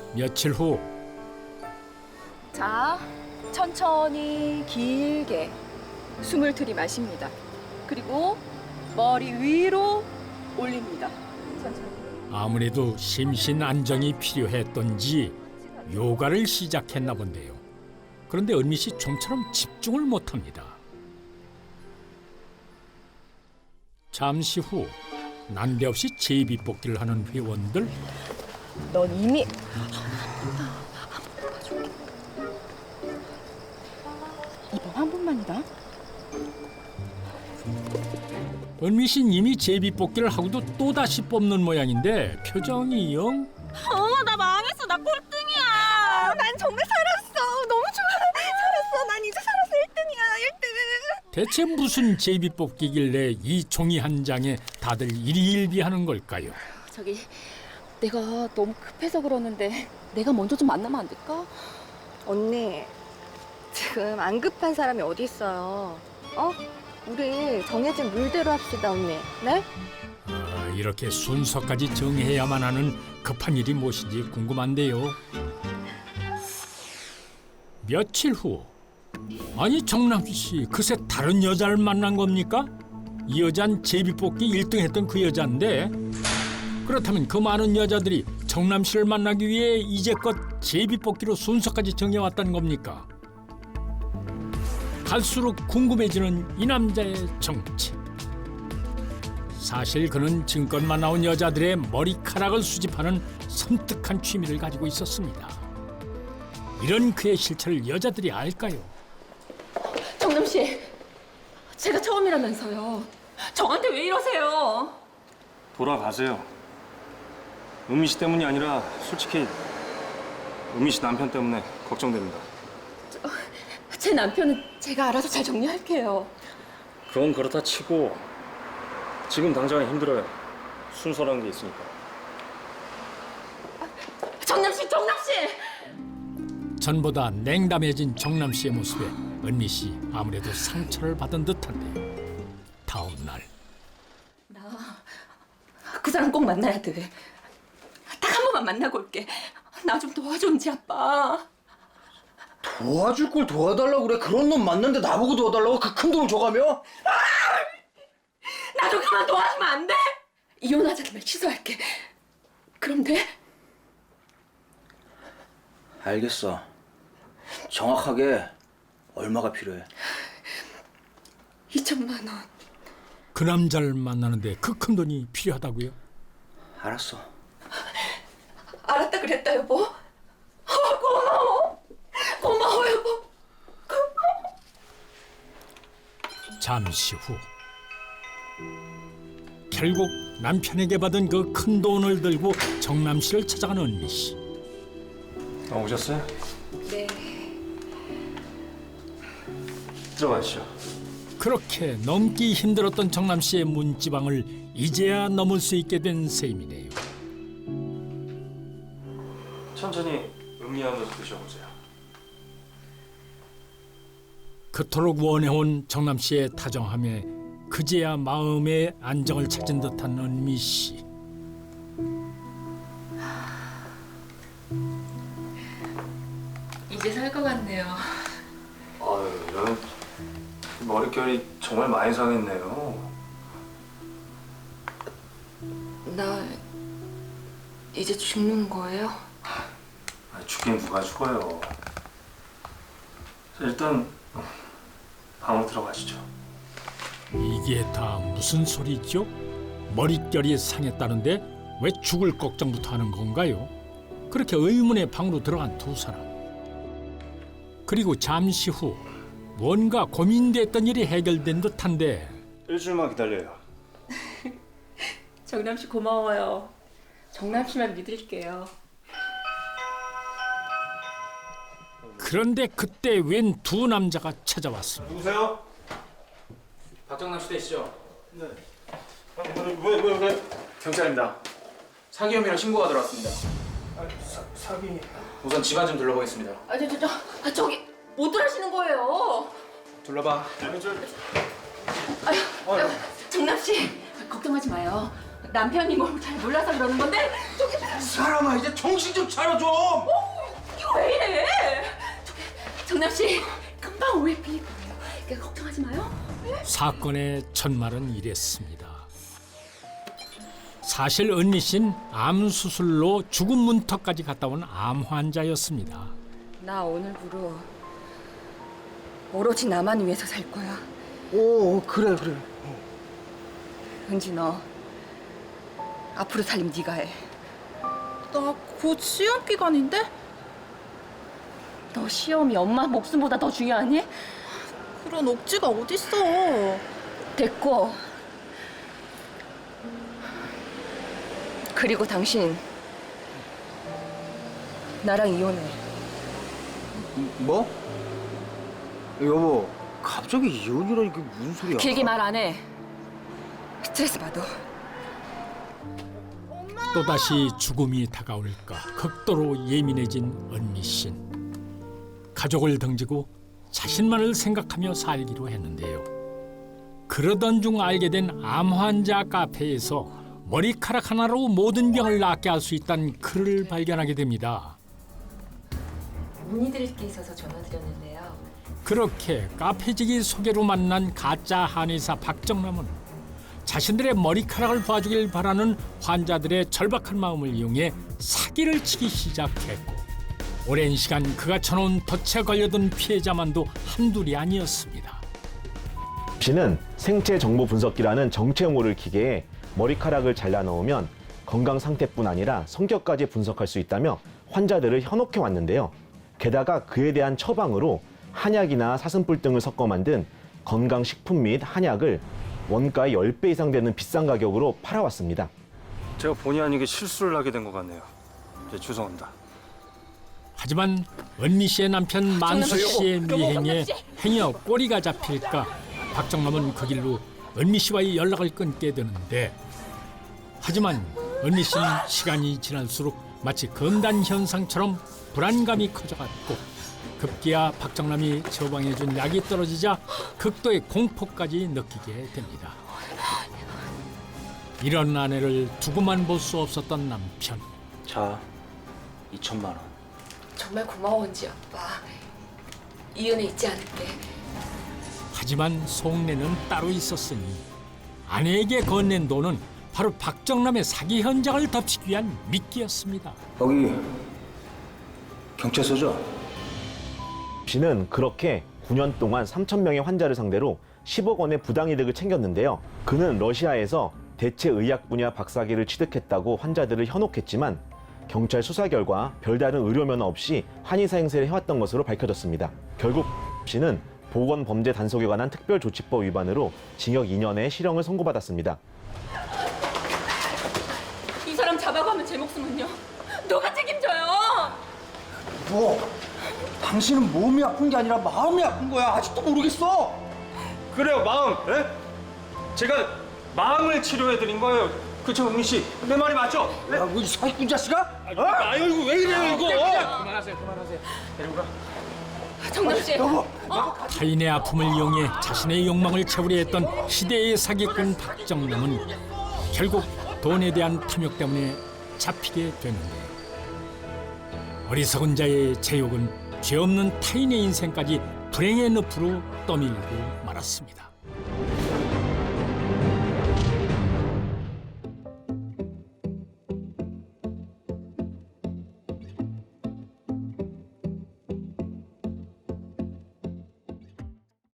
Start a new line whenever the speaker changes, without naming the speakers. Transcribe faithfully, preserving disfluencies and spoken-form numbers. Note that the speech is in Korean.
며칠 후
자, 천천히 길게 숨을 들이마십니다. 그리고 머리 위로 올립니다. 천천히.
아무래도 심신 안정이 필요했던지 요가를 시작했나 본데요. 그런데 은미 씨 좀처럼 집중을 못합니다. 잠시 후 난데없이 제비뽑기를 하는 회원들.
넌 이미 이번 한 번만이다.
은미 씨는 이미 제비뽑기를 하고도 또다시 뽑는 모양인데 표정이 영...
엄마 나 망했어. 나 꼴등이야.
난 정말 살았어. 너무 좋아. 살았어. 난 이제 살아서 일 등이야. 일 등.
대체 무슨 제비뽑기길래 이 종이 한 장에 다들 일희일비하는 걸까요?
저기 내가 너무 급해서 그러는데 내가 먼저 좀 만나면 안 될까?
언니, 지금 안 급한 사람이 어디 있어요? 어? 우리 정해진 룰대로 합시다, 언니. 네?
아, 이렇게 순서까지 정해야만 하는 급한 일이 무엇인지 궁금한데요. 며칠 후, 아니 정남 씨 그새 다른 여자를 만난 겁니까? 이 여잔 제비뽑기 일 등 했던 그 여잔데, 그렇다면 그 많은 여자들이 정남 씨를 만나기 위해 이제껏 제비뽑기로 순서까지 정해왔다는 겁니까? 갈수록 궁금해지는 이 남자의 정체. 사실 그는 지금껏 나온 여자들의 머리카락을 수집하는 섬뜩한 취미를 가지고 있었습니다. 이런 그의 실체를 여자들이 알까요?
정남 씨, 제가 처음이라면서요. 저한테 왜 이러세요?
돌아가세요. 은미 씨 때문이 아니라 솔직히 은미 씨 남편 때문에 걱정됩니다.
제 남편은 제가 알아서 잘 정리할게요.
그건 그렇다 치고 지금 당장은 힘들어요. 순서라는 게 있으니까.
정남 씨, 정남 씨!
전보다 냉담해진 정남 씨의 모습에 은미 씨 아무래도 상처를 받은 듯한데요. 다음 날
나 그 사람 꼭 만나야 돼. 딱 한 번만 만나고 올게. 나 좀 도와줘, 은지 아빠.
도와줄 걸 도와달라고 그래. 그런 놈 만났는데 나보고 도와달라고 그 큰 돈을 줘가며?
나 좀 그만 도와주면 안 돼? 이혼하자는 말 취소할게. 그럼 돼?
알겠어. 정확하게 얼마가 필요해?
이천만 원.
그 남자를 만나는데 그 큰 돈이 필요하다고요?
알았어.
알았다 그랬다, 여보. 어, 고마워. 고마워, 여보.
잠시 후 결국 남편에게 받은 그 큰 돈을 들고 정남 씨를 찾아간 은미 씨.
아, 오셨어요?
네.
들어가시죠.
그렇게 넘기 힘들었던 정남 씨의 문지방을 이제야 넘을 수 있게 된 셈이네요.
천천히 음미하면서 드셔보세요.
그토록 원해온 정남 씨의 다정함에 그제야 마음의 안정을 찾은 듯한 은미 씨.
이제 살 것 같네요.
아유, 이런 머릿결이 정말 많이 상했네요.
나 이제 죽는 거예요?
아, 죽긴 누가 죽어요. 자, 일단 방으로 들어가시죠.
이게 다 무슨 소리죠? 머릿결이 상했다는데 왜 죽을 걱정부터 하는 건가요? 그렇게 의문의 방으로 들어간 두 사람. 그리고 잠시 후 뭔가 고민됐던 일이 해결된 듯한데
일주일만 기다려요.
정남 씨 고마워요. 정남 씨만 믿을게요.
그런데 그때 웬 두 남자가 찾아왔습니다.
누구세요?
박정남 씨 되시죠?
네. 아, 왜, 왜, 왜?
경찰입니다. 사기 혐의로 신고가 들어왔습니다.
아, 사, 사기...
우선 집안 좀 둘러보겠습니다.
아, 저, 저, 저, 아, 저기 못 들으시는 거예요.
둘러봐.
아니, 저...
아유, 아유, 정남 씨 걱정하지 마요. 남편이 뭘 잘 몰라서 그러는 건데 저기
사람아 이제 정신 좀 차려 좀.
이거 왜 이래? 저기 정남 씨 금방 오해 풀릴 거예요. 그러니까 걱정하지 마요.
사건의 전말은 이랬습니다. 사실 은미 씨는 암 수술로 죽음 문턱까지 갔다 온 암 환자였습니다.
나 오늘부로 오로지 나만 위해서 살 거야.
오 그래 그래.
은지 너 앞으로 살림 네가 해.
나 곧 시험 기간인데?
너 시험이 엄마 목숨보다 더 중요하니?
그런 억지가 어딨어.
됐고. 그리고 당신 나랑 이혼해.
뭐? 여보 갑자기 이혼이라니 그게 무슨 소리야?
길게 말 안 해. 스트레스 받아.
또다시 죽음이 다가올까 극도로 예민해진 은미 씨는 가족을 등지고 자신만을 생각하며 살기로 했는데요. 그러던 중 알게 된 암 환자 카페에서 머리카락 하나로 모든 병을 낫게 할 수 있다는 글을 발견하게 됩니다.
문의드릴 게 있어서 전화드렸는데요.
그렇게 카페지기 소개로 만난 가짜 한의사 박정남은 자신들의 머리카락을 봐주길 바라는 환자들의 절박한 마음을 이용해 사기를 치기 시작했고 오랜 시간 그가 쳐놓은 덫에 걸려든 피해자만도 한둘이 아니었습니다.
씨는 생체 정보 분석기라는 정체 모를 기계에 머리카락을 잘라 넣으면 건강 상태뿐 아니라 성격까지 분석할 수 있다며 환자들을 현혹해 왔는데요. 게다가 그에 대한 처방으로 한약이나 사슴뿔 등을 섞어 만든 건강식품 및 한약을 원가의 십 배 이상 되는 비싼 가격으로 팔아왔습니다.
제가 본의 아니게 실수를 하게 된 것 같네요. 이제 죄송합니다.
하지만 은미 씨의 남편 만수 씨의 미행에 행여 꼬리가 잡힐까 박정남은 그 길로 은미 씨와의 연락을 끊게 되는데 하지만 은미 씨는 시간이 지날수록 마치 금단 현상처럼 불안감이 커져갔고 급기야 박정남이 처방해준 약이 떨어지자 극도의 공포까지 느끼게 됩니다. 이런 아내를 두고만 볼 수 없었던 남편.
자 이천만 원.
정말 고마워 은지 아빠. 이 은혜 잊지 않을게.
하지만 속내는 따로 있었으니 아내에게 건넨 돈은 바로 박정남의 사기 현장을 덮치기 위한 미끼였습니다.
여기 경찰서죠?
씨는 그렇게 구 년 동안 삼천 명의 환자를 상대로 십억 원의 부당이득을 챙겼는데요. 그는 러시아에서 대체 의학 분야 박사기를 취득했다고 환자들을 현혹했지만 경찰 수사 결과 별다른 의료 면허 없이 한의사 행세를 해왔던 것으로 밝혀졌습니다. 결국 씨는 보건범죄 단속에 관한 특별조치법 위반으로 징역 이 년의 실형을 선고받았습니다.
이 사람 잡아가면 제 목숨은요? 누가 책임져요?
뭐? 당신은 몸이 아픈 게 아니라 마음이 아픈 거야. 아직도 모르겠어?
그래요, 마음. 예? 제가 마음을 치료해드린 거예요. 그쵸, 은미 씨? 내 말이 맞죠?
야, 뭐이 사기꾼 자식아? 어?
아유, 이거 왜 이래요, 이거?
그만하세요, 그만하세요. 데리고 가.
정남 씨.
여보,
타인의 아픔을 이용해 자신의 욕망을 채우려 했던 시대의 사기꾼 박정남은 결국 돈에 대한 탐욕 때문에 잡히게 되는데 어리석은 자의 제욕은 죄 없는 타인의 인생까지 불행의 늪으로 떠밀고 말았습니다.